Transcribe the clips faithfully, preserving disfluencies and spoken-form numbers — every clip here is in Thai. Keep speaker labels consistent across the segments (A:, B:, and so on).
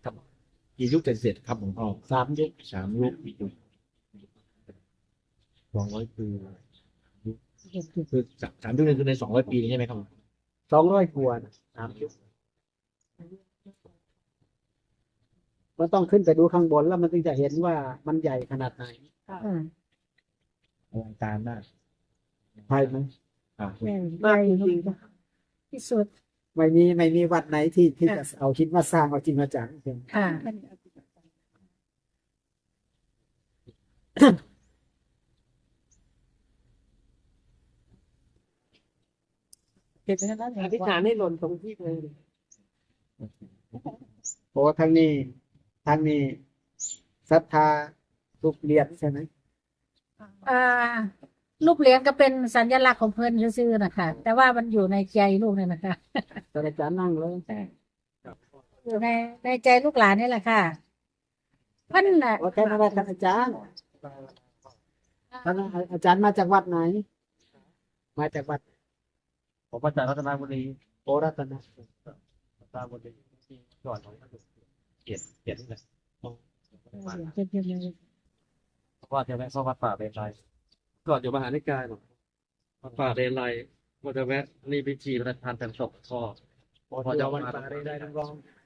A: ครับกี่ยุคเสร็จครับหลวงพ่อ
B: สามยุค
A: สามยุคสองร้อยปีคือสามสามยุคนี่คือในสองร้อยปีนี้ใช่ไหมครับ
B: สองร้อยกว่านะสามยุคก็ต้องขึ้นไปดูข้างบนแล้วมันถึงจะเห็นว่ามันใหญ่ขนาดไหน
C: อืม
A: อลังการมาก
B: ใช่ไหม
A: อ่า
C: ใหญ่
B: มาก
C: ให
B: จ
C: ญ่
B: ริงๆนะ
C: ที่สุด
B: ไม่มีไม่มีวัดไหนที่ที่จะเอาคิดมาสร้างเอาจริงมาจังเพียง
C: ค่ะ
B: อธิษฐานให้หล่นตรงที่เลยโอ้ทางนี้ทางนี้ศรัทธาทุกเรียนใช่ไหม
C: อ่ารูปเหรียญก็เป็นสัญลักษณ์ของเพิ่นซื่อๆนะคะแต่ว่ามันอยู่ในใจลูกเนี่ยนะคะ
B: ตอนอาจารย์นั่งเลย
C: อยู่ในในใจลูกหลานนี่แหละค่ะเพิ่นน่ะ
B: โอเคนะท่านอาจารย์ท่านอาจารย์มาจากวัดไหน มาจากวัด
A: ผมมาจากรัตนบุรี
B: โอรัตนะ
A: รัตนบุรีที่ก่อนของเกียรติเกียรตินี่แหละ
C: เป็นเพียง
A: เพราะว่าจะแวะเข้าวัดป่าเรนไรก่อนอยู่มหานิกายหรอกวัดป่าเรนไรว่าจะแวะนี่พิธีพระราชทานแต่งศพพ่อ
B: พอจะวันป่าได้ได้ทั้งรอง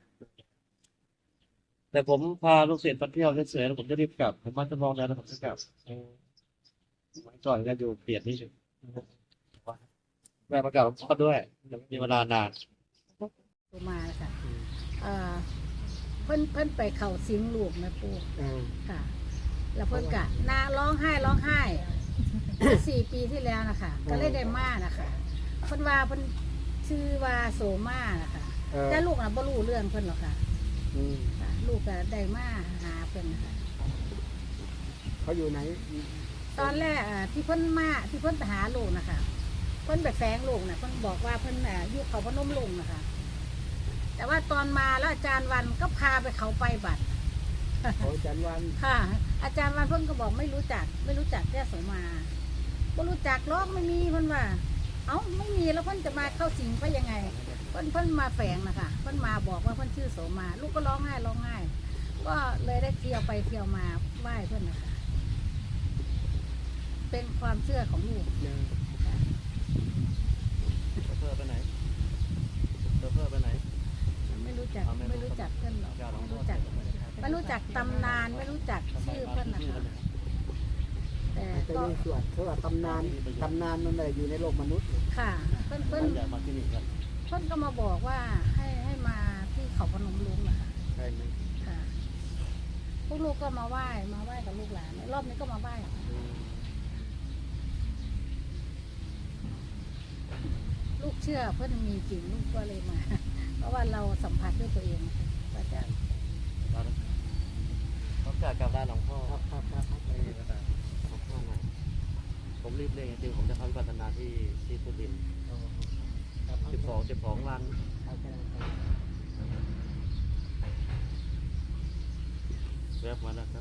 A: แต่ผมพาลูกศิษย์มาเที่ยวเฉยๆแล้วผมจะรีบกลับผมมาจะมองแล้วผมจะกลับก่อนก็อยู่เปลี่ยนนี่แม่ประกาศหลวงพ่อด้วยยังมีเวลานาน
C: ตัวมาแล้วค่ะเอ่อเพิ่นเพิ่นไปเข้าสิงลูกนะปู่
B: อ่า
C: ค่ะ แล้วเพิ่นกะนาร้องไห้ร้องไห้ สี่ปีที่แล้วนะคะก็เลยได้มานะคะเพิ่นว่าเพิ่นชื่อว่าโสมานะคะ
B: เออ
C: แต่ลูกน่ะบ่รู้เรื่องเพิ่นหรอกค่ะ
B: อืม
C: ค่ะ ลูกก็ได้มาหาเพิ่นนะคะ
B: เขาอยู่ไหน
C: ตอนแรกอ่าที่เพิ่นมาที่เพิ่นไปหาลูกนะคะเพิ่นไปแฝงลูกน่ะเพิ่นบอกว่าเพิ่นอ่าอยู่เขาพนมลุงนะคะ แต่ว่าตอนมาแล้วอาจารย์วันก็พาไปเขาไปบัตร
B: โอ้อาจารย์วัน
C: ค่ะ อาจารย์วันเพิ่นก็บอกไม่รู้จัก ไม่รู้จักแค่โสมาบ่รู้จักหรอกไม่มีเพิ่นว่า เอ้าไม่มีแล้วเพิ่นจะมาเข้าสิงไปยังไงเพิ่นเพิ่นมาแฝงนะคะเพิ่นมาบอกว่าเพิ่นชื่อโสมา ลูกก็ร้องไห้ร้องไห้ก็เลยได้เที่ยวไปเที่ยวมาไหว้เพิ่นนะคะ เป็นความเชื่อของลูก
B: เนี่ย
A: เพื่อไปไหนเพื่อไปไหน
C: ไม่รู้จักไม่รู้จักเพื่อนหรอกไม่รู้จักไม่รู้จักตำนานไม่รู้จักชื่อเพื่อนนะคะแต่
B: อาจจะ
C: ก็
B: มีส่วนเพราะว่าตำนานตำนานมันไม่ได้อยู่ในโลกมนุษย์
C: ค่ะ เพื่อนเพื่อน
A: อยากมาที่นี่ครับ
C: เพื่อนก็มาบอกว่าให้ให้มาที่เขาพนมรุ้งนะคะ
B: ใช่ไหม
C: ค่ะพวกลูกก็มาไหว้มาไหว้กับลูกหลานรอบนี้ก็มาไหว้ค่ะ
B: อืม
C: ลูกเชื่อเพื่อนมีจริงลูกก็เลยมา เพราะว่าเราสัมผัสด้วยตัวเองว่าจะ
A: ต้องการกลับบ้านหลวงพ่อ
B: ครับครับครับครับ
A: ไม่มีเวลาหลวงพ่อมาผมรีบเร่งจริงผมจะเข้าวิปัสสนาที่ที่สุรินทร์
B: ครับ
A: สิบสองสิบสองวัน
B: เอาแค่นั้นครับ
A: แวบมาแล้วครับ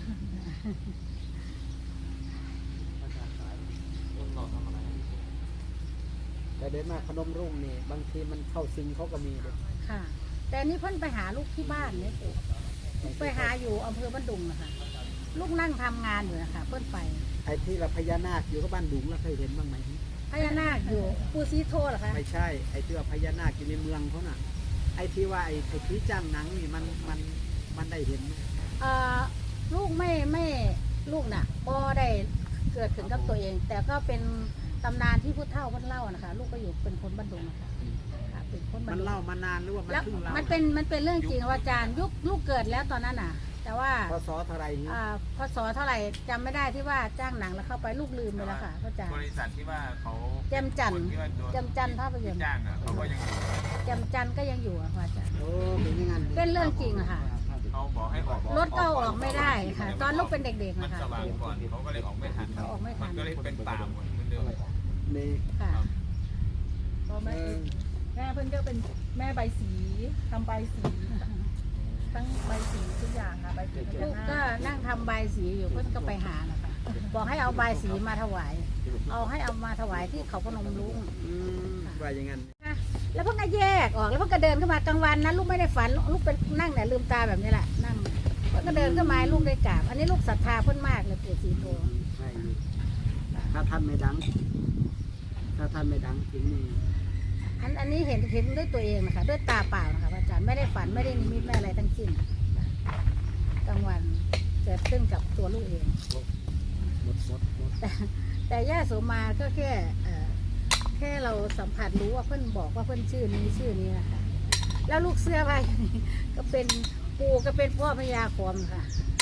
A: ต้องรอทำอะไร
B: แต่เดินมาพนมรุ่งนี่บางทีมันเข้าซิงเขาก็มีเลย
C: ค่ะ แต่อันนี่เพื่อนไปหาลูกที่บ้านเนี่ยสิไปหาอยู่อำเภอบ้านดุงนะคะลูกนั่งทำงานอยู่นะคะเพื่อนไป
B: ไอ้ที่เราพญานาคอยู่กับบ้านดุงแล้วเคยเห็นบ้างไหม
C: พญานาคอยู่ปูซีโทเหรอคะ
B: ไม่ใช่ไอ้ที่ว่าพญานาคอยู่ในเมืองเขาน่ะ ไอ้ที่ว่าไอ้ไอ้ที่จ้างหนังนี่มันมันมันได้เห็นไหม
C: เอ่อลูกไม่ไม่ลูกน่ะก็ได้เกิดถึงกับตัวเอง แต่ก็เป็นตำนานที่ผู้เฒ่าเพิ่นเล่านะคะ ลูกก็อยู่เป็นคนบ้านดุงนะคะค่ะเป็นคนบ้า
B: มัน น
C: ดุง
B: เล่ามานานหรือว่ามัน
C: แล้ว
B: เพิ่งเล่า
C: มันเป็นมันเป็นเรื่องจริงว่าอาจารย์ยุคลูกเกิดแล้วตอนนั้นน่ะ แต่ว่า
B: พศเท่าไหรนี่
C: อ่าพศเท่าไหร่จำไม่ได้ที่ว่าจ้างหนังแล้วเข้าไปลูกลืมไปแล้วค่ะพระอาจารย์
D: บริษัทที่ว่าเขา
C: แจมจันทร์
D: คนที่ว่าโดน
C: แจมจันทร์ภาพยนตร์
D: จ้างอ่ะเขาก็ยังอยู่
C: แจมจันทร์ก็ยังอยู่อะค่ะอาจารย์
B: โอ้เป็นอยังไง
C: เป็นเรื่องจริงอะค่ะ
D: เขาบอกให้ออก
C: รถก็ออกไม่ได้ค่ะ ตอนลูกเป็นเด็กๆ
D: มัน
C: นะคะ
D: สว่างก่อนเขาก็เลยออกไม่ทัน
C: เขาออกไม่ทัน
D: มันก็เลยเป็นป่าหมดเหมือนเดิม
B: นี่
C: ค่ะ
E: ก็แม่แม่เพิ่นก็เป็นแม่ใบสีทำใบสีทั้งใบสีทุกอย่างค่ะใบสีพ
C: ลู
E: ญาก นา
C: ก็
E: ค
C: นั่งทำใบายสีอยู่เพื่อนก็ไปหานะคะบอกให้เอาใบายสีมาถวาย เอาให้เอามาถวายที่เขาพนมรุ้ง
B: อืมว่าอย่างงั้น
C: ค่ะแล้วเพิ่งก็แยกออกแล้วเพิ่งก็เดินเข้ามากลางวันนะลูกไม่ได้ฝันลูกเป็นนั่งเนี่ยลืมตาแบบนี้แหละนั่งเพิ่งก็เดินเข้ามาลูกได้กราบอันนี้ลูกศรัทธาเพิ่นมากเลยปู่ศรีโต
B: ใช่ถ้าท่านไม่ดัง ถ้าท่านไม่ดังจริงนี่
C: อันอันนี้เห็นเห็นด้วยตัวเองนะคะด้วยตาเปล่านะคะพระอาจารย์ไม่ได้ฝันไม่ได้นิมิตไม่อะไรทั้งสิ้นกลางวันเกิดขึ้นกับตัวลูกเอง
B: หมดหมดหมด
C: แต่แต่ย่าโสมาก็แค่เอ่อแค่เราสัมผัสรู้ว่าเพื่อนบอกว่าเพื่อนชื่อนี้ชื่อนี้นะคะแล้วลูกเสื้อผ้าอยู่นี่ก็เป็นปู่ก็เป็นพ่อพญาคมค่ะ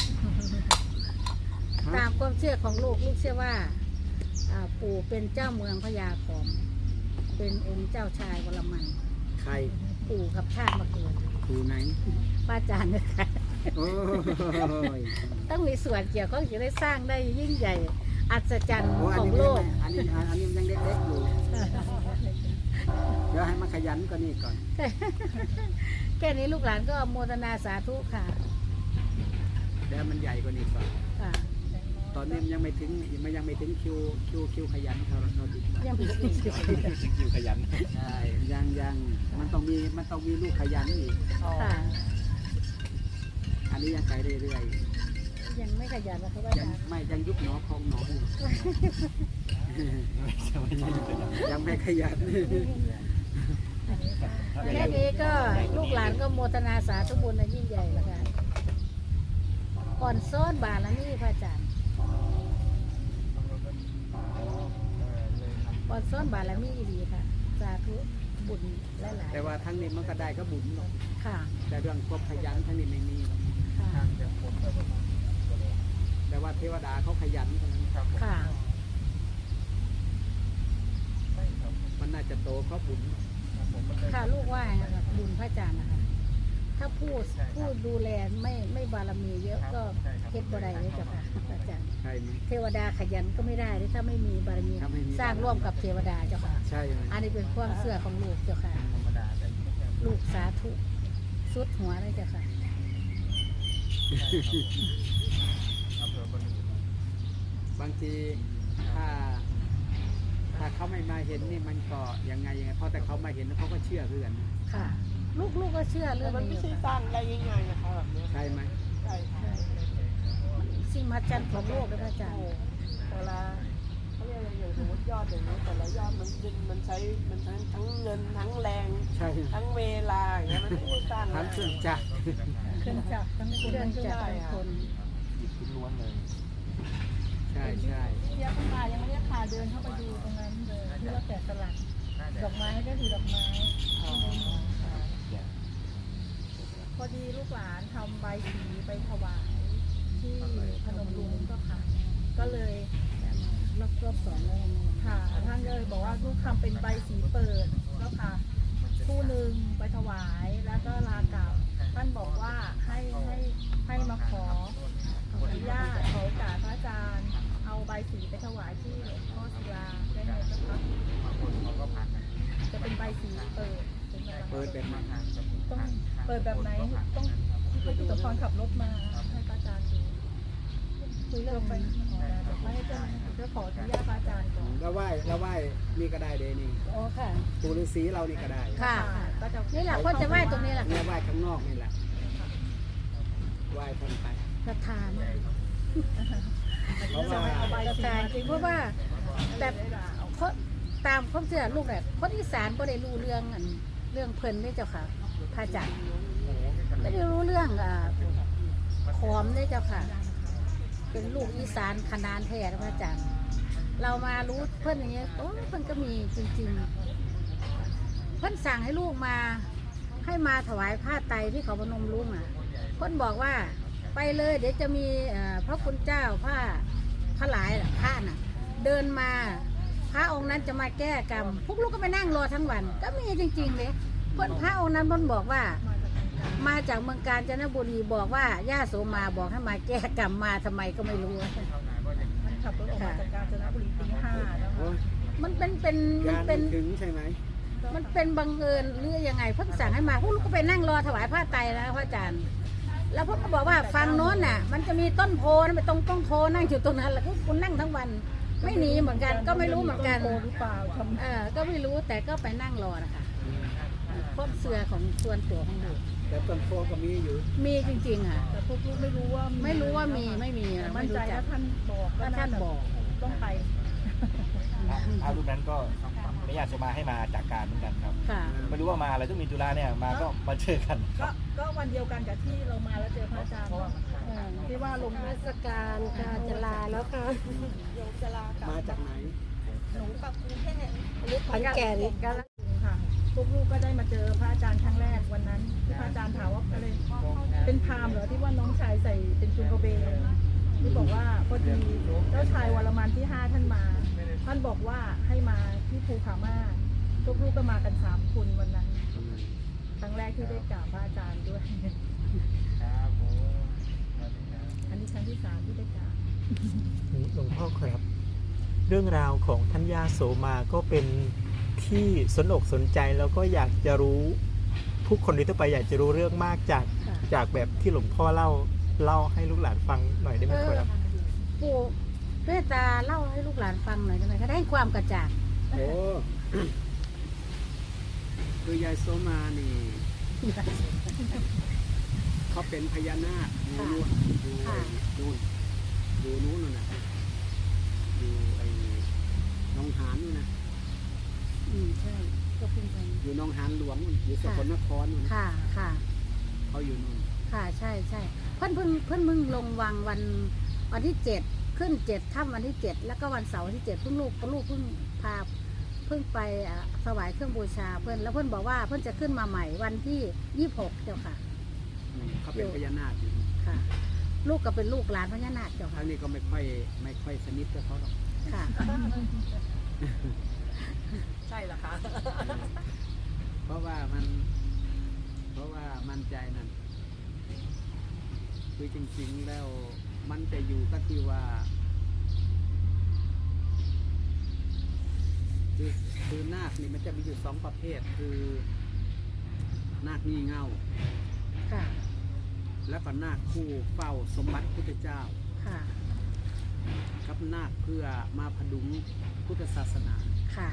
C: ตามความเชื่อของลูกลูกเชื่อว่าอ่าปู่เป็นเจ้าเมืองพญาคมเป็นองค์เจ้าชายวรมัน
B: ใคร
C: ปู่กับชาติมาเกิด
B: ครูไหน
C: ป้าจารย์นะคะ
B: โอ้ย
C: ต้องมีส่วนเกี่ยวข้องจะได้สร้างได้ยิ่งใหญ่ อัศจรรย์
B: โอ้อั
C: ข
B: น
C: อง
B: นี้
C: โลก
B: อันนี้อันนี้มันยังเล็กๆอยู่ เดี๋ยวให้มันขยันกว่านี้ก่อน
C: แค่นี้ลูกหลานก็โมทนาสาธุค่ะ
B: เดี๋ยวมันใหญ่กว่านี้ก่อน
C: ค่ะ
B: ตอนนี้มันยังไม่ถึงมันยังไม่ถึงคิวคิวคิวขยันเขาเราดิ
C: ยังมีอีก
A: คิวขยัน
B: ใช่ยังยังมันต้องมีมันต้องมีลูกขยันอีก
C: ค่ะ
B: อันนี้ยังไปเรื่อย
C: ยังไม่ขยันนะคะว่า
B: ๆยังไม่ยังยุบหนอพองหนออยู่ยังไม่ขยัน
C: แค่นี้ก็ลูกหลานก็โมทนาสาธุบุญในยิ่งใหญ่แล้วค่ะก่อนซ้อนบาทละนี่พระอาจารย์ก่อนซ้อนบาทละนี่ดีค่ะ สาธุบุญหลาย
B: แต่ว่าทั้งนี้มันก็ได้ก็บุญหรอก
C: ๆค่ะ
B: แต่เรื่องความขยันทั้งนี้ไม่มีหรอก
C: ค่ะ
B: แต่ว่าเทวดาเขาขยันเท่านั้น
C: ค่ะ
B: มันน่าจะโตเพราะบุญ
C: ค่ะลูกว่านะคะบุญพระอาจารย์นะคะ ถ้าผู้ผู้ดูแลไม่ไม่บารมีเยอะก็เฮ็ดบ่ได้เลยเจ้าค่ะพระอาจารย์
B: ใช่ไหม
C: เทวดาขยันก็ไม่ได้เลยถ้าไม่มีบารมี
B: ถ้าไม่มี
C: สร้างร่วมกับเทวดาเจ้าค่ะ
B: ใช่ไหม
C: อันนี้เป็นความเชื่อของลูกเจ้าค่ะ ลูกสาธุสุดหัวเลยเจ้าค่ะ
B: บางทีถ้า ถ้าเขาไม่มาเห็นนี่มันก็ยังไงยังไงเพราะแต่เขามาเห็นแล้วเขาก็เชื่อเพื่อน
C: ค่ะ ลูกลูกก็เชื่อเรื่อง
F: มัน
C: นี้
F: ไม่
C: อยู่
F: ใช่ส
C: ค่ะ
F: ร้างได้ง่ายๆนะคะแบบนี้
B: ใช่ไหม
F: ใช่ค่ะ
C: สิ่งมหัศจรรย์ของโลกเลยพระอาจารย์
F: เวลาเขาเรียกอะไรอย่างสมมติยอดอย่างนี้แต่ละยอดมันเป็นมันใช้มันทั้งทั้งเงินทั้งแรง
B: ใช่
F: ทั้งเวลาอย่างเงี้ยมันไม่ได้สร้าง
B: ทั้งเครื่องจักร
E: เครื่องจักรทั้งค
C: เคน รื่องจักรเป็นคน
A: ล้วนเลย
B: ใช่ใช่
E: เทียบเข้ามายังไม่ได้พาเดินเข้าไปดูตรงนั้นเลยที่ว่าแกะสลักดอกไม้ก็คือดอกไม้พอดีลูกหลานทำใบสีไปถวายที่พนมรุ้งก็ค่ะ ก็เลย
C: รอบรอบสองแล้วยังไง
E: ค่ะท่านเลยบอกว่าลูกทำเป็นใบสีเปิดแล้วค่ะคู่หนึ่งไปถวายแล้วก็ลากลับท่านบอกว่าให้ให้ให้มาขออนุญาตขอโอกาสพระอาจารย์เอาใบสีไปถวายที่หลวงพ่อศิลาได้ไหมนะคะจะเป็นใบสีเปิดเป็นแบบ
B: เปิดแบบนั้น
E: ต้องเปิดแบบไหนต้องให้ตุตพรขับรถมาให้พระอาจารย์ดูคุยเรื่องไปขอแบบไม่ให้เจ้าเพื่อขออนุญาตพระอาจารย์ก่อน
B: แล้วไหว้แล้วไหว้นี่ก็ได้เลยนี่
C: โอ้ค่ะ
B: ปู่ฤาษีเรานี่ก็ได้
C: ค่ะ
E: ก็จะ
C: นี่แหละคนจะไหว้ตรงนี้แหละ
B: เนี่ยไหว้ข้างนอกนี่แหละไหว้ท่านไป
C: ศรัทธาเนี่ย
B: เพราะว่า
C: ศรัทธาจริงเพราะว่าแบบคนตามความเชื่อลูกแบบคนอีสานก็ได้รู้เรื่องอันเรื่องเพลินนี่เจ้าค่ะพระอาจารย์ไม่ได้รู้เรื่องอ่าขอมนี่เจ้าค่ะ เป็นลูกอีสานขนานแท้นะพระอาจารย์ เรามารู้เพื่อนอย่างเงี้ยโอ้เพื่อนก็มีจริงๆ เพื่อนสั่งให้ลูกมาให้มาถวายผ้าไตรที่เขาพนมรุ้งอ่ะ เพื่อนบอกว่าไปเลยเดี๋ยวจะมีเอ่อพระคุณเจ้าผ้าพระหลายน่ะผ้าน่ะ เดินมาพระองค์นั้นจะมาแก้กรรม พวกลูกก็ไปนั่งรอทั้งวัน ก็มีจริงๆเลยเพื่อนพระองค์นั้นเพื่อนบอกว่า มาจากเมืองกาญจนบุรีบอกว่าย่าโสมาบอกให้มาแก้กรรมมาทำไมก็ไม่รู้
E: มันขับรถออกมาจากกาญจนบุรีตีห้าแล้ว
B: โอ้ย
C: มันเป็นเป็นมั
B: งาน น
C: เป็น
B: ไม่ถึงใช่ไหม
C: มันเป็นบังเอิญหรือยังไงเพิ่งสั่งให้มาพวกลูกก็ไปนั่งรอถวายผ้าไตรนะพระอาจารย์ แล้วพวกก็บอกว่าฟังโน้นน่ะ มันจะมีต้นโพนะไปตรงต้นโพนั่งอยู่ตรงนั้นแล้วก็คุณนั่งทั้งวัน ไม่หนีเหมือนกัน ก็ไม่รู้เหมือนกัน
E: โกหรือเปล่าทำ
C: เออก็ไม่รู้แต่ก็ไปนั่งรอนะคะความเสื่อของส่วนตัวของลูก
B: แต่ต้นโพก็มีอยู่
C: มีจริงๆอ่ะ
E: แต่พวกลูกไม่รู้ว่า
C: ไม่รู้ว่ามีไม่มี
E: แต่
C: ไม่
E: มั่นใจ
C: รู้จั
E: ถ้าก ท่านบอก
C: ถ้าท่านบอก
E: ต้องไป
G: พระรูปนั้นก็พระญาติโสมาให้มาจากการเหมือนกันครับ
C: ค่ะ
G: ไม่รู้ว่ามาอะไรต้องมีจุฬาเนี่ยมาก็มาเจอกัน
E: ก็ก็วันเดียวกันกับที่เรามาแล้วเจอพระอาจารย์เนอะเออที่ว่าลง
F: ราชการการจะลาแล้วค่ะโยมจะลากลับ
B: มาจากไหน
F: หนูกับกรุงเทพอันนี้ขอนแก่นกัน
E: ค่ะพวกลูกก็ได้มาเจอพระอาจารย์ครั้งแรกวันนั้นที่พระอาจารย์ถามว่าอะไรเป็นพราหมณ์เหรอที่ว่าน้องชายใส่เป็นจุงกระเบนที่บอกว่าพอดีเจ้าชายวรมันที่ห้าท่านมา ท่านบอกว่าให้มาที่ภูผาม่าพวกลูกก็มากันสามคนวันนั้นครั้งแรกที่ได้กราบพระอาจารย์ด้วยอันนี้ครั้งที่สามที่ได้กราบ
H: หลวงพ่อครับ เรื่องราวของท่านย่าโสมาก็เป็นที่สนอกสนใจแล้วก็อยากจะรู้ผู้คนทั่วไปอยากจะรู้เรื่องมากจาก
C: ค่ะ
H: จากแบบที่หลวงพ่อเล่าเล่าให้ลูกหลานฟังหน่อยได้ไหมครับ
C: ปู่เมตตาเล่าให้ลูกหลานฟังหน่อยได้ไหมคะได้ความกระจ่าง
B: โอ้ คือยายโสมานี่เขาเป็นพญานาคอยู่นู่นอยู่ไอ้นู่นอยู่นู้นน่ะนะอยู่ไอ้หนองหานนู่นนะ
C: อืมใช่ก็เพิ่งไป
B: อยู่หนองหานหลวงนู่นอยู่สกลนครนู่นนะ
C: ค่ะค่ะ
B: เขาอยู่นู่น
C: ค่ะใช่ใช่เพิ่นเพิ่งเพิ่นมึงลงวังวันวันที่เจ็ดขึ้นเจ็ดค่ำวันที่เจ็ดแล้วก็วันเสาร์วันที่เจ็ดเพิ่งลูกลูกเพิ่งพาเพิ่งไปอ่ะถวายเครื่องบูชาเพิ่นแล้วเพิ่นบอกว่าเพิ่นจะขึ้นมาใหม่วันที่ยี่สิบหกเจ้าค่ะ
B: อืมเขาเป็นพญานาคอยู่
C: ค่ะ ลูกก็เป็นลูกหลานพญานาคเจ้า
B: ทา
C: ค่ะ
B: งนี้ก็ไม่ค่อยไม่ค่อยสนิทกับเขาหรอก
C: ค่ะ
F: ใช่เหรอคะ
B: เพราะว่ามัน เพราะว่ามั่นใจนั่นคือจริงๆแล้วมันจะอยู่ก็ที่ว่า คือคือนาคนี่มันจะมีอยู่สองประเภทคือนาคงี่เง่า
C: ค่ะ
B: แล้วก็นาคคู่เฝ้าสมบัติพุทธเจ้า
C: ค่ะ
B: กับนาคเพื่อมาพดุงพุทธศาสนา
C: ค่ะ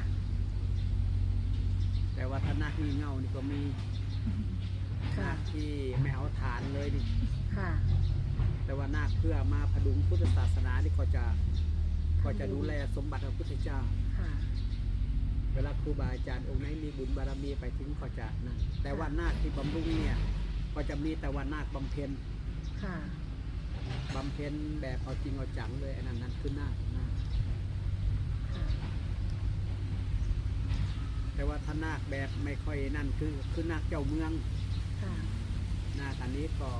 B: แต่ว่าถ้านาคงี่เง่านี่ก็มี
C: ค่ะ
B: นาคที่ไม่เอาฐานเลยนี่
C: ค่ะ
B: แต่ว่านาคเพื่อมาพดุงพุทธศาสนาที่เขาจะเขาจะดูแลสมบัติพระพุทธเจ้า
C: ค่ะ
B: เวลาครูบาอาจารย์องค์ไหนมีบุญบารมีไปถึงเขาจะนั่นแต่ว่านาคที่บำรุงเนี่ยก็จะมีแต่ว่านาคบำเพ็ญ
C: ค่ะ
B: บำเพ็ญแบบเอาจริงเอาจังเลยอันนั้นนั่นคือนาคนาคแต่ว่าถ้านาคแบบไม่ค่อยนั่นคือคือนาคเจ้าเมือง
C: ค่ะ
B: นาคอันนี้ก็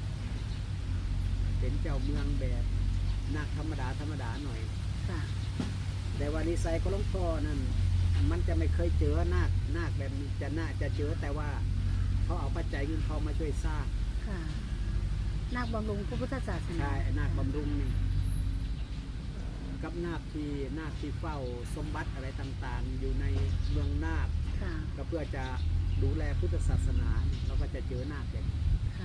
B: เป็นเจ้าเมืองแบบนาคธรรมดาธรรมดาหน่อย
C: ค่ะ
B: แต่ว่านิสัยของหลวงพ่อนั่นมันจะไม่เคยเจอนาคนาคแบบนี้จะน่าจะเจอแต่ว่าเขาเอาปัจจัยเงินทองมาช่วยสร้าง
C: ค่ะนาคบำรุงพระพุทธศาสนา
B: ใช่นาคบำรุงนี่กับนาคที่นาคที่เฝ้าสมบัติอะไรต่างๆ อยู่ในเมืองนาค
C: ค่ะ
B: ก็เพื่อจะดูแลพุทธศาสนาเราก็จะเจอนาคแบบ
C: ค่ะ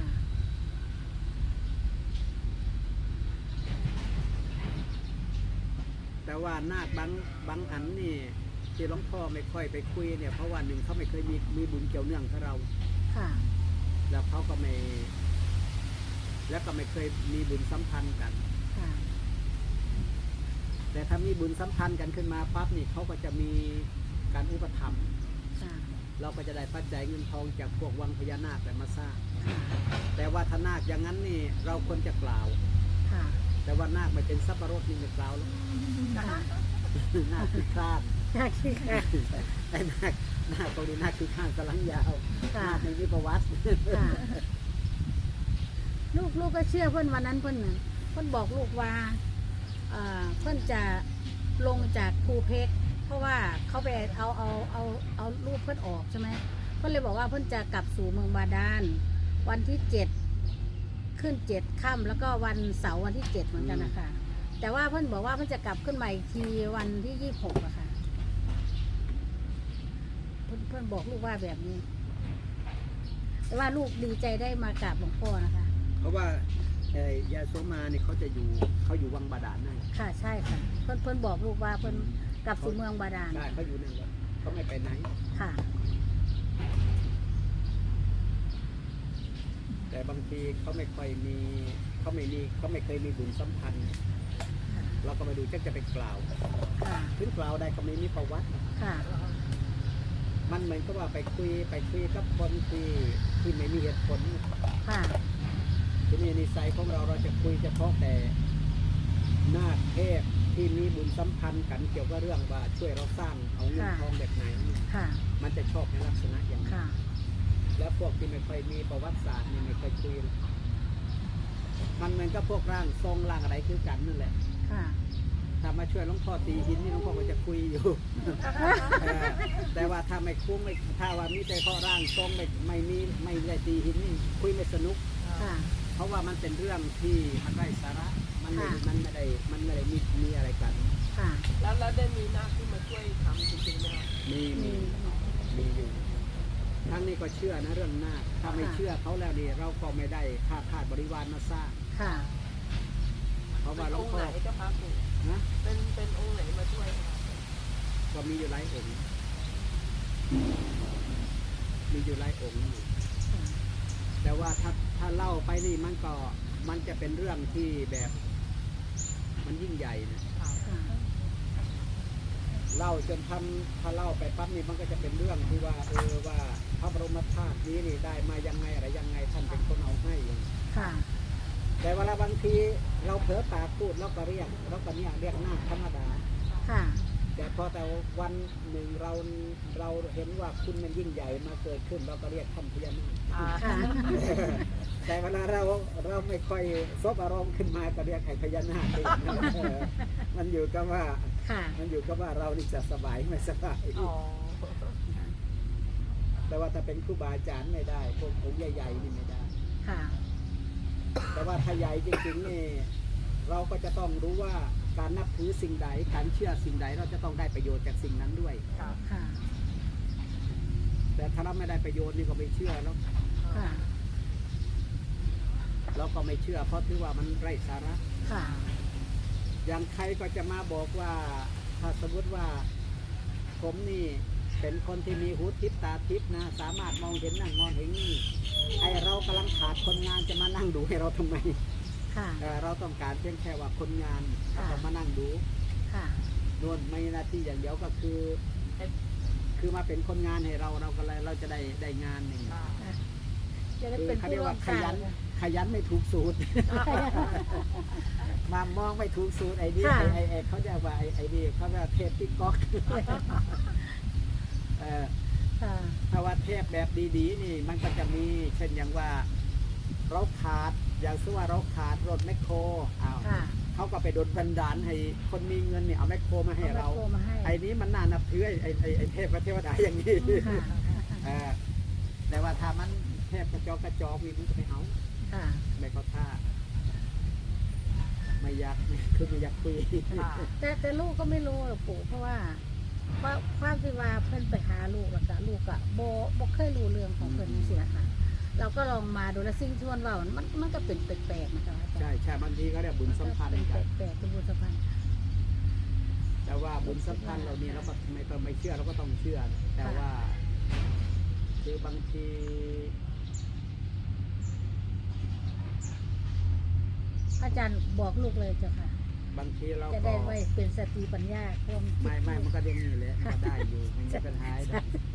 B: แต่ว่านาคบางบางอันนี่ที่หลวงพ่อไม่ค่อยไปคุยเนี่ยเพราะว่าหนึ่งเขาไม่เคยมีมีบุญเกี่ยวเนื่องกับเรา
C: ค่ะ
B: แล้วเขาก็ไม่แล้วก็ไม่เคยมีบุญสัมพันธ์กัน
C: ค่ะ
B: แต่ถ้ามีบุญสัมพันธ์กันขึ้นมาปั๊บนี่เขาก็จะมีการอุปถัมภ์
C: ค่ะ
B: เราก็จะได้ปัจจัยเงินทองจากพวกวังพญานาคแต่มาสร้าง
C: ค่ะ
B: แต่ว่าถ้านาคอย่างนั้นนี่เราควรจะกล่าว
C: ค่ะ
B: แต่ว่านาคไม่เป็นสับปะรดนี่ไม่กล่าวแล้ว
C: ค่ะ
B: นาคคือคลาด
C: ค่ะค่ะ
B: ไอ้นาคนาคตรงนี้นาคคือข้างกำลังยาว
C: ค่ะ
B: นาคในวิปวัต
C: ค่ะลูกลูกก็เชื่อเพื่อนวันนั้นเพื่อนน่ะเพื่อนบอกลูกว่าเอ่อเพื่อนจะลงจากภูเพกเพราะว่าเขาไปเอาเอาเอาเอารูปเพื่อนออกใช่ไหมเพื่อนเลยบอกว่าเพื่อนจะกลับสู่เมืองบาดาลวันที่เจ็ดขึ้นเจ็ดค่ำแล้วก็วันเสาร์วันที่เจ็ดเหมือนกันนะคะแต่ว่าเพื่อนบอกว่าเพื่อนจะกลับขึ้นมาอีกทีวันที่ยี่สิบหกอะค่ะเพื่อนเพื่อนบอกลูกว่าแบบนี้ แต่ว่าลูกดีใจได้มากราบหลวงพ่อนะคะ
B: เพราะว่าไอ้ยาโสมาเนี่ยเขาจะอยู่เขาอยู่วังบาดาลนั่น
C: ค่ะใช่ค่ะเพื่อนเพื่อนบอกลูกว่าเพื่อนกลับสู่เมืองบาดาล
B: ใช่เขาอยู่นั่นแหละเขาไม่ไปไหน
C: ค่ะ
B: บางทีเขาไม่ค่อยมีเขาไม่มีเขาไม่เคยมีบุญสัมพันธ์เราก็มาดูจะจะไปกล่าว
C: ค่ะ
B: ถึงกล่าวได้ก็ไม่มีประวัติ
C: ค่ะ
B: มันเหมือนกับว่าไปคุยไปคุยกับคนที่ที่ไม่มีเหตุผล
C: ค่ะ
B: ทีนี้นิสัยของเราเราจะคุยเฉพาะแต่นาคเทพที่มีบุญสัมพันธ์กันเกี่ยวกับเรื่องว่าช่วยเราสร้างเอาเงินทองแบบไหน
C: ค่ะ
B: มันจะชอบในลักษณะอย่างนั้น
C: ค่ะ
B: แล้วพวกที่ไม่ค่อยมีประวัติศาสตร์นี่ไม่ค่อยคุยมันเหมือนกับพวกร่างทรงร่างอะไรคือกันนั่นแหละ
C: ค่ะ
B: ถ้ามาช่วยหลวงพ่อตีหินนี่หลวงพ่อก็จะคุยอยู่ เออแต่ว่าถ้าไม่คุ้มไม่ถ้าว่ามีแต่เพราะร่างทรงไม่ไม่มีไม่ได้ตีหินนี่คุยไม่สนุก
C: ค่ะ
B: เพราะว่ามันเป็นเรื่องที่มันไร้สาระมันไม่
C: ค่ะ
B: มันไม่ได้มันไม่ได้มีมีอะไรกัน
C: ค่ะ
F: แล้วแล้วได้มีนาคที่มาช่วยทำจริงๆไหมครับ
B: มีมีมีอยู่ทั้งนี้ก็เชื่อนะเรื่องนาคถ้าไม่เชื่อเขาแล้วนี่เราก็ไม่ได้ค่าขาดบริวารมาสร้าง
C: ค่ะ
B: เพราะว่าหลว
F: อง งค์
B: พ่
F: ไห
B: อน
F: เจ้าคะปู่
B: นะ
F: เป็นเป็นองค์ไหนมาช่วยครับ
B: ก็มีอยู่หลายองค์มีอยู่หลายองค์อยู่แต่ว่าถ้าถ้าเล่าไปนี่มันก็มันจะเป็นเรื่องที่แบบมันยิ่งใหญ่นะ
C: ค่ะ
B: เล่าจนทำถ้าเล่าไปปั๊บนี่มันก็จะเป็นเรื่องที่ว่าเออว่าพระบรมธาตุนี้นี่ได้มายังไงอะไรยังไงท่านเป็นคนเอาให้อย่าง
C: ค่ะ
B: แต่เวลาบางทีเราเผลอปากพูดเราก็เรียกเราก็เนี่ยเรียกนาคธรรมดา
C: ค่ะ
B: แต่พอแต่วันหนึ่งเราเราเห็นว่าคุณมันยิ่งใหญ่มาเกิดขึ้นเราก็เรียกท่านพญานาค
F: อ่า
C: ค่ะ
B: แต่เวลาเราเราไม่ค่อยซบอารมณ์ขึ้นมาก็เรียกไอ้พญานาคเองเออมันอยู่กับว่า
C: ค่ะ
B: มันอยู่กับว่าเรานี่จะสบายไม่สบาย
F: อ๋อ
B: แต่ว่าถ้าเป็นครูบาอาจารย์ไม่ได้พวกองค์ใหญ่ๆนี่ไม่ได้
C: ค่ะ
B: แต่ว่าถ้าใหญ่จริงๆนี่เราก็จะต้องรู้ว่าการนับถือสิ่งใดการเชื่อสิ่งใดเราจะต้องได้ประโยชน์จากสิ่งนั้นด้วย
F: ครับ
C: ค่ะ
B: แต่ถ้าเราไม่ได้ประโยชน์นี่ก็ไม่เชื่อแล้ว
C: ค่ะ
B: เราก็ไม่เชื่อเพราะถือว่ามันไร้สาระ
C: ค่ะ
B: อย่างใครก็จะมาบอกว่าถ้าสมมติว่าผมนี่เป็นคนที่มีหูทิพย์ตาทิพย์นะสามารถมองเห็นนั่นมองเห็นนี่ไอเรากำลังขาดคนงานจะมานั่งดูให้เราทำไม
C: ค่ะ
B: เอ่อเราต้องการเพียงแค่ว่าคนงานเขาต้องมานั่งดู
C: ค่ะ
B: นวลไม่หน้าที่อย่างเดียวก็คือ คือมาเป็นคนงานให้เราเราก็เลยเราจะได้ได้งานหนึ่ง
C: จะได้
B: คือ
C: เป็น
B: เขา
C: ผู้
B: เรียก
C: ร่ว
B: ว่าม ข
C: สร้า
B: ยั
C: ง
B: นขยันไม่ถูกสูตร มามองไม่ถูกสูตรไอ้นี่
C: ค่ะ
B: ไอ้ไอ้ไอ้เขาเรียกว่าไอ้ไอ้นี่เขาเรียกว่าเทพติ๊กก๊อกเออ
C: ค่ะ
B: ถ้าว่าเทพแบบดีๆนี่มันก็จะมีเช่นอย่างว่าเราขาดอย่างเช่นว่าเราขาดรถแมคโครอ้าว
C: ค่ะ
B: เขาก็ไปโดนบันดาลให้คนมีเงินเนี่ยเอาแมคโครมาให้เรา
C: อแมคโคมาให้
B: ไอ้นี้มันน่านับถือไอ้ไอ้ไอ้ไอ้เทพพระเทวดาอย่างนี้
C: ค่ะ
B: เออแต่ว่าถ้ามันเทพกระจอกกระจอกนี่มันก็ไม่เอา
C: ค่ะ
B: ไม่ก็ท่าไม่อยากคือไม่อยากคุย
C: แต่แต่ลูกก็ไม่รู้หรอกปู่เพราะว่าเพราะความที่ว่าเพิ่นไปหาลูกแล้วก็ลูกอะโบโบเคยรู้เรื่องของเพิ่นเสียค่ะ เราก็ลองมาดูแล้วสิ่งที่มันเว่ามันมันก็เป็นแปลกๆนะคะอาจารย์
B: ใช่ใช่บางทีก็เรียกบุญสัมพันธ์
C: เป็น
B: กัน
C: แปลกๆเป็นบุญสัมพันธ์
B: แต่ว่าบุญสัมพันธ์เรานี่เราก็ไม่ต้องไม่เชื่อเราก็ต้องเชื่อ แต่ว่า คือบางที
C: อาจารย์บอกลูกเลยเจ้าค่ะ
B: บางทีเรา
C: จะ
B: ก็
C: ได้ไว้เป็นสติปัญญาความคิด
B: ไม่ไม่มันก็ยังมีแหละมันก็ได้อยู่มันจะเป็นหายได้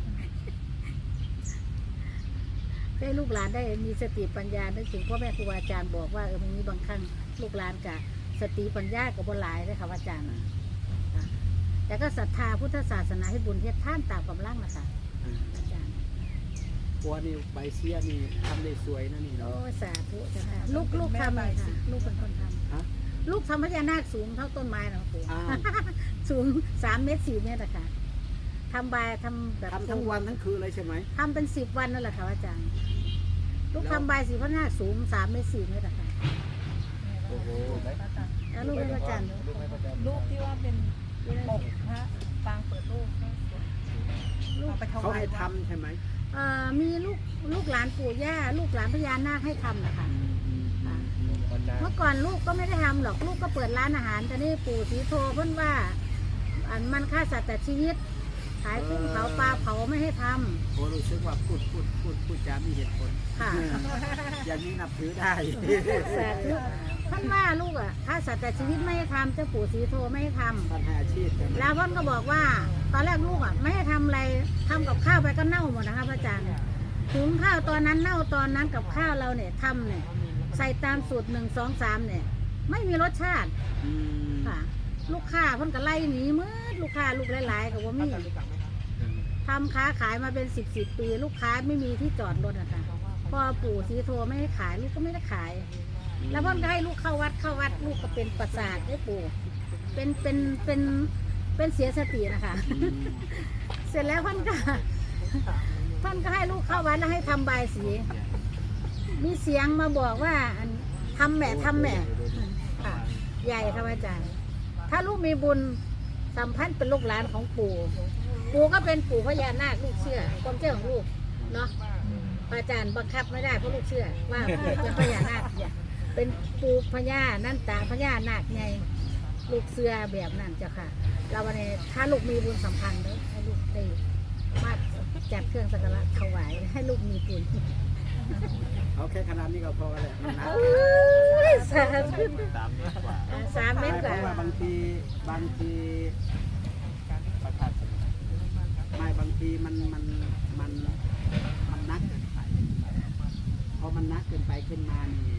C: ให้ลูกหลานได้มีสติปัญญานึกถึงพ่อแม่ครูอาจารย์บอกว่าเออมันมีบางครั้งลูกหลานกับสติปัญญากับบนหลายเลยค่ะอาจารย์นะค่ะแต่ก็ศรัทธาพุทธศาสนาให้บุญเฮ็ดท่านตามกำลังนะคะอาจารย์
B: ปัวนี่ใบเสียนี่ทำได้สวยนะนี่
C: โอ้
B: เนาะ
C: สาธุเจ้าค่ะลูกลูกทำเลยค่ะลูกเป็นคนท
B: ฮะ
C: ำลูกทำพญานาคสูงเท่าต้นไม้นะปู่
B: อ้าว
C: สูงสามเมตรสี่เมตรอะค่ะทำบายทำแบบ
B: ทำทั้งวันทั้งคืนเลยใช่ไหม
C: ทำเป็นสิบวันนั่นแหละค่ะอาจารย์ ลูก
B: แล้ว
C: ทำบายสีพระนาคสูงสามเมตรสี่เมตรอะค่ะ
B: โอ้โห
C: แล้วลูกเป็นอาจารย์
E: รูปที่ว่าเป็นปกพระปางเปิดรูปก็สวยเอาไปถ
B: เขา
E: วาย
B: ให้
E: วัด
B: ทำใช่ไหม
C: เอ่อมีลูกลูกหลานปู่ย่าลูกหลานพญานาคให้ทำนะคะอ่าเมื่อก่อนลูกก็ไม่ได้ทำหรอกลูกก็เปิดร้านอาหารแต่นี่ปู่ศรีโทเพิ่นว่าอันมันฆ่าสัตว์แต่ชีวิตขายกุ้งเผาปลาเผาไม่ให้ทำ
B: โอ้รู้สึกว่าพูดพูดพูดพูดจามีเหตุผล
C: ค่ะ
B: อย่างนี้นับถือได้
C: แสบลูกท่านว่าลูกอ่ะถ้าสัตว์แต่ชีวิตไม่ให้ทำเจ้าปู่ศรีโทไม่ให้ทำ
B: ปัญหาอาชีพกัน
C: แล้วพ่อนก็บอกว่า ตอนแรกลูกอ่ะไม่ให้ทำอะไรทำกับข้าวไปก็เน่าหมดนะคะพระอาจารย์ถุงข้าวตอนนั้นเน่าตอนนั้นกับข้าวเราเนี่ยทำเนี่ยใส่ตามสูตรหนึ่งสองสามเนี่ยไม่มีรสชาติ
B: อืม
C: ค่ะ ลูกค้าเพ่นก็ไล่หนีมืดลูกค้าลูกหลายๆกับว่ามีทำค้าขายมาเป็นสิบสิบปี ลูกค้าไม่มีที่จอดรถอะค่ะพอปู่ศรีโทไม่ให้ขายลูกก็ไม่ได้ขาย แล้วพ่อนก็ให้ลูกเข้าวัดเข้าวัดลูกก็เป็นประสาทให้ปู่เป็นเป็นเป็นเป็นเสียสตินะคะ
B: อืม
C: เสร็จแล้วพ่อนก็พ่อนก็ให้ลูกเข้าวัดแล้วให้ทำบายสี มีเสียงมาบอกว่าอันทำแหม่ทำแหม่ค่ะใหญ่ครับอาจารย์ ถ้าลูกมีบุญสัมพันธ์เป็นลูกหลานของปู่ ปู่ก็เป็นปู่พญานาคลูกเชื่อความเชื่อของลูกเนาะอาจารย์บังคับไม่ได้เพราะลูกเชื่อว่าเป็นพญานาคเนี่ยเป็นปู่พญานั่นตาพญานาคไงลูกเชื่อแบบนั้นเจ้าค่ะเราวันนี้ถ้าลูกมีบุญสัมพันธ์เด้อให้ลูกได้มาจัดเครื่องสักการะถวายให้ลูกมีบุญ
B: เอาแค่ขนาดนี้ก็พอแล้วนะ
C: โอ้ยสาธุ
G: สามเมตรกว่า
C: สามเมตร
B: เพ
C: กว่า
B: ราะว่าบางทีบางทีประกาศไม่บางทีมันมันมันมันนักเกินไปพอมันนักเกินไปขึ้นมานี่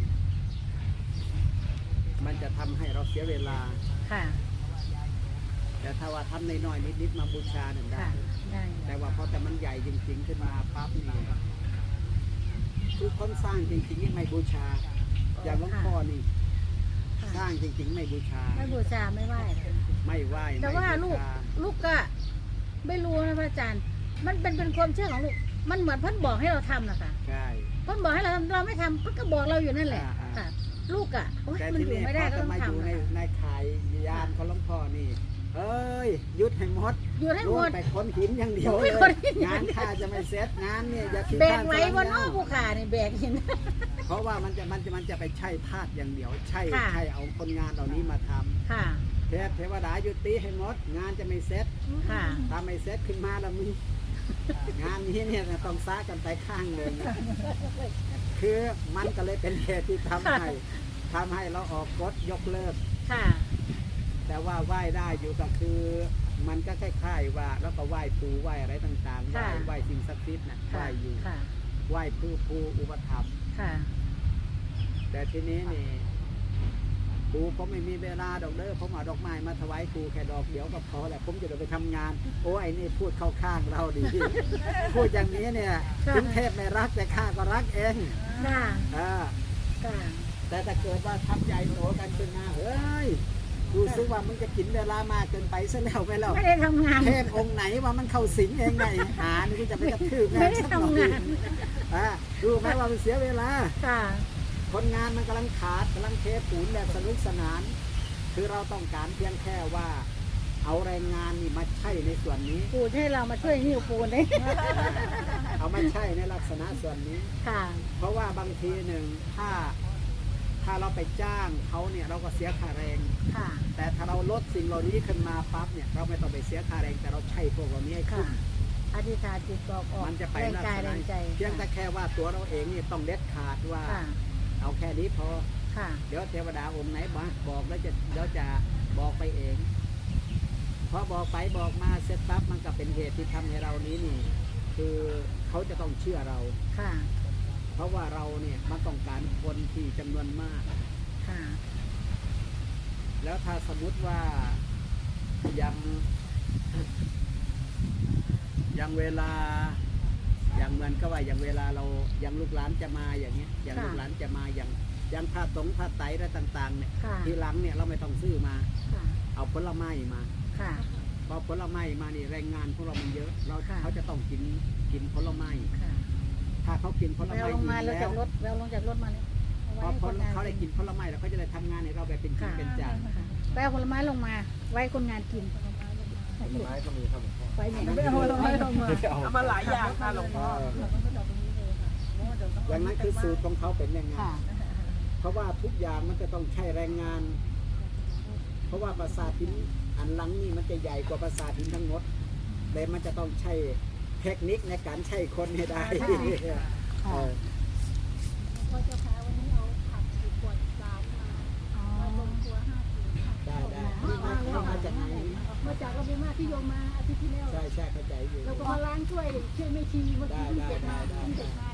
B: มันจะทำให้เราเสียเวลา
C: ค่ะ
B: แต่ถ้าว่าทำน้อยๆนิดๆมาบูชาหนึ่งได้
C: ค่ะได้
B: แต่ว่าพอแต่มันใหญ่จริงๆขึ้นมาปั๊บนี่คือคนสร้างจริงๆนี่ไม่บูชา อย่างหลวงพ่อนี่สร้างจริงๆไม่บูชา
C: ไม่บูชาไม่ไหว้
B: ไม่ไหว้
C: แต่ว่า
B: ไม่
C: ลู
B: บู
C: ก
B: ชา
C: ลูกก็ไม่รู้นะพระอาจารย์ มันเป็นเป็นความเชื่อของลูก มันเหมือนเพ่นบอกให้เราทำนะคะ
B: ใช่
C: เพ่นบอกให้เราทำเราไม่ทำเพ่นก็บอกเราอยู่นั่นแหละ
B: อ่าๆ
C: ค่ะ ลูกอ่ะโอ๊ย
B: แต่
C: มัน
B: ที
C: อยู่
B: นี้
C: ไม่
B: พ
C: ได้
B: อ
C: ก็
B: จะ
C: ต้อง
B: มาอยู่
C: ทำ
B: ใน
C: นะคะ
B: ในขายยานของหลวงพ่อนี่ เอ้ยหยุดให้หมด
C: อยู่ให้ห
B: ร่
C: ม
B: ว
C: ด
B: ไปค้นหินอย่างเดียว
C: โอ้
B: เลย ย
C: ค้นหิน
B: งานข้าจะไม่เสร็จงานเนี่ยอย่าคิด
C: แบก
B: ข้าม
C: ไว้บนนอก
B: ส
C: ภูขาเนี่ยแบกหิน
B: เพราะว่ามันจะมันจะมันจะไปใช่ธาตุอย่างเดียว ใช่
C: ค่ะ
B: ใช่เอาคนงานเหล่านี้มาทำ
C: ค่ะ
B: เทพเทวดายุติให้หมด งานจะไม่เสร็จ
C: ค่ะ
B: ถ้าไม่เสร็จขึ้นมาแล้วมึง งานนี้เนี่ยต้องซ่ากันไปข้างหนึ่งคือมันก็เลยเป็นเหตุที่ทำให้ทำให้เราออกกฎยกเลิก
C: ค่ะ
B: แต่ว่าไหว้ได้อยู่ก็คือ มันก็คล้ายๆว่าแล้วก็ไหว้ปูไหว้อะไรต่างๆไหว้
C: ค่ะ
B: ไหว้สิ่งศักดิ์สิทธิ์นะไห
C: ค่ะ
B: ว้อยู่
C: ค่ะ
B: ไหว้ผู้ผู้อุปถัมภ์
C: ค่ะ
B: แต่ทีนี้นี่ปูผมไม่มีเวลาดอกเด้อผมเอาดอกไม้มาถวายครูแค่ดอกเดียวก็พอแหละผมจะเดินไปทำงาน โอ้ไอ้นี่พูดเข้าข้างเราดี พูดอย่างนี้เนี่ย
C: ค่ะ
B: ถึงเทพไม่รักแต่ข้าก็รักเอง
C: ค่ะ
B: อ่า
C: ค่ะ
B: แต่ถ้าเกิดว่าทำใหญ่โตกันขึ้นมาเฮ้ยดูซึว่ามึงจะกินเวลามากเกินไปซะแล้วไปแล้ว
C: ไม่ได้ทำงาน
B: เทพองค์ไหนว่ามันเข้าสิงเองไงหานี่กูจะไปกระทืบ
C: ไม่ได้ทำงาน
B: อ่ารู้ไหมว่ามันเสียเวลา
C: ค่ะ
B: คนงานมันกำลังขาดกำลังเทปูนแบบสนุกสนาน คือเราต้องการเพียงแค่ว่า เอาแรงงานนี่มาใช้ในส่วนนี้
C: ปูนให้เรามาช่วยหิ้วปูนเลย
B: เอามาใช้ในลักษณะส่วนนี้
C: ค่ะ
B: เพราะว่าบางทีหนึ่งถ้าถ้าเราไปจ้างเขาเนี่ยเราก็เสียค่าแรง
C: ค่ะ
B: แต่ถ้าเราลดสิ่งเหล่านี้ขึ้นมาปั๊บเนี่ยเราไม่ต้องไปเสียค่าแรงแต่เราใช้พวกเหล่านี้ให้
C: ค่ะ
B: คุ้ม
C: อธิษฐานจิตบอกออก
B: มันจะไป
C: แรง
B: ลัก
C: กาย
B: ษ
C: แร
B: ณะ
C: งใจ
B: เพียงแต่แค่ว่าตัวเราเองนี่ต้องเด็ดขาดว่า
C: ค่ะ
B: เอาแค่นี้พอ
C: ค่ะ
B: เดี๋ยวเทวดาองค์ไหนมาบอกแล้วจะเดี๋ยวจะบอกไปเองพอบอกไปบอกมาเสร็จปั๊บมันก็เป็นเหตุที่ทำให้เรานี้นี่ คือเขาจะต้องเชื่อเรา
C: ค่ะ
B: เพราะว่าเราเนี่ยมันต้องการคนที่จำนวนมาก
C: ค่ะ
B: แล้วถ้าสมมุติว่ายังยังเวลาอย่างเหมือนก็ว่าอย่างเวลาเรายังลูกหลานจะมาอย่างเงี้ยอย่าง
C: ค่ะ
B: ลูกหลานจะมาอย่างอย่างผ้าตรงผ้าไตรอะไรต่างๆเนี่ย
C: ค่ะ
B: ทีหลังเนี่ยเราไม่ต้องซื้อมา
C: ค่ะ
B: เอาผลไม้มา
C: ค่ะ
B: พอผลไม้มานี่แรงงานของเรามันเยอะ เรา
C: ค่ะ
B: เขาจะต้องกินกินผลไม้
C: ค่ะ
B: ถ้าเขากินผล
C: แว
B: ไม้
C: วลงมา
B: ดี
C: แล้ว
B: แล้
C: จาว กรถแววลงจากรถมาเลยเอา
B: พอ
C: ไว้ให้คนงาน
B: ผลเขาได้กินผลไม้แล้วเขาจะได้ทำงานให้เราแบบเป็นจริง
C: ค่ะ
B: เป็นจัง
C: ค่ะแววผลไม้ลงมา ไว้คนงานกิน
G: ต้นไม้ก็มีครับหลวงพ่อ
C: ไว้เนี่ย
E: ไม่เอาผลไม้ลงมา
G: เอา
F: เอามาหลายอย่างค่ะหลวงพ่อ
B: อย่างนั้นคือสูตรของเขาเป็นยังไง
C: ค่ะ
B: เพราะว่าทุกอย่างมันจะต้องใช้แรงงาน เพราะว่าปราสาทหินอันหลังนี่มันจะใหญ่กว่าปราสาทหินทั้งหมดแต่มันจะต้องใช้เทคนิคในการใช้คนให้ได้
C: ใช่ค่ะ
B: เออ
E: พ่อเจ้าค่ะวันนี้เอาผักสี่ขวดสามมา
C: อ๋อ
E: มาลงครัวห้าถุงค่ะ
B: ได้ได้ที่มาที่มาจากไหน
E: มาจากเราไปมาที่โยมมาอาทิตย์ที่แล้ว
B: ใช่ใช่เข้าใจอยู่
E: เราก็มาล้างช่วยช่วยไม่ชีเมื่อกี้เพิ่งเก็บมา
B: ได้ได้ได้
E: เพิ่งเก็บมา